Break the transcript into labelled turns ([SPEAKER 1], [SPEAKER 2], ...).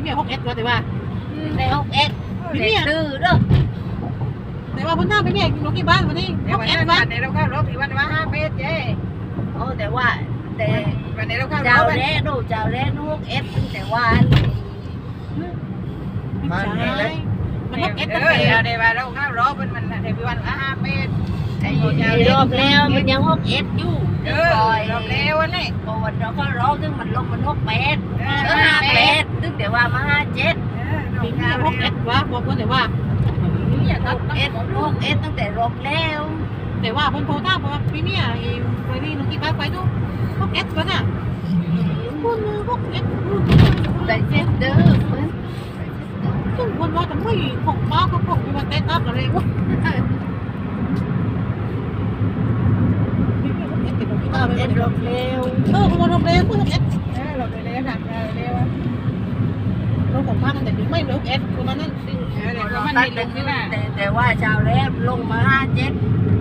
[SPEAKER 1] มี6 S แต่ว่า
[SPEAKER 2] ใน6S เด็กดื้อเด้อ
[SPEAKER 1] แต่ว่าคนหน้าไปเนี่ยลงที่บ้านวันนี้6 S วัน
[SPEAKER 3] ในเราเข้ารถที่วันว่า5 เมตรเจ้
[SPEAKER 2] โอ้แต่ว่าแต่
[SPEAKER 3] วันนี้เราเข้าร
[SPEAKER 2] เจ้า
[SPEAKER 3] ถ
[SPEAKER 2] เล่ดูเจ้าเล่น6S แต่ว่า
[SPEAKER 1] ไม่ใช่มัน6 S ตั้ง
[SPEAKER 3] เดี๋
[SPEAKER 1] แต่
[SPEAKER 3] ยวเดี๋ยวเราเข้ารถมันในวันว่า5 เมตร
[SPEAKER 2] ไอ้รอบแล้วมันยัง6S อยู่
[SPEAKER 3] รอบแล้วนี่
[SPEAKER 2] พอวันเราก็ร้องถึงมันลงมัน6 8 5 8ถึงแต่ว่ามา5 7
[SPEAKER 1] ปีนี้6 S วะบอกคนแต่ว่า
[SPEAKER 2] 6S ตั้งแต่รอบแล้ว
[SPEAKER 1] แต่ว่าคนโทรตามบอกว่าปีนี้ไปนี่ลงที่บ้านไปดู6 S วันน่ะคน6 S
[SPEAKER 2] แต่เจ็ดเด้อเพิ่น
[SPEAKER 1] ซึ่งคนว่าจะไม่ของบ้าก็ของมีวันเต้นอัพอะไรวะปีนี้6 S เป็นของที่บ้านไป
[SPEAKER 2] เอ็ดรอบแล้ว
[SPEAKER 1] คนมาลงเร็วเพิ่ง6 S
[SPEAKER 3] เราไปเร็วหนักเร็ว
[SPEAKER 1] รถของบ้านตั้งแต่ปีไม่6 S ประมาณนั้น
[SPEAKER 3] เดี๋ยวมัน
[SPEAKER 2] ตั้
[SPEAKER 3] มี
[SPEAKER 2] ง
[SPEAKER 3] ล
[SPEAKER 2] แต่
[SPEAKER 3] งนี่นะ
[SPEAKER 2] แต่ว่าเจ้าแล้วลงมา5 7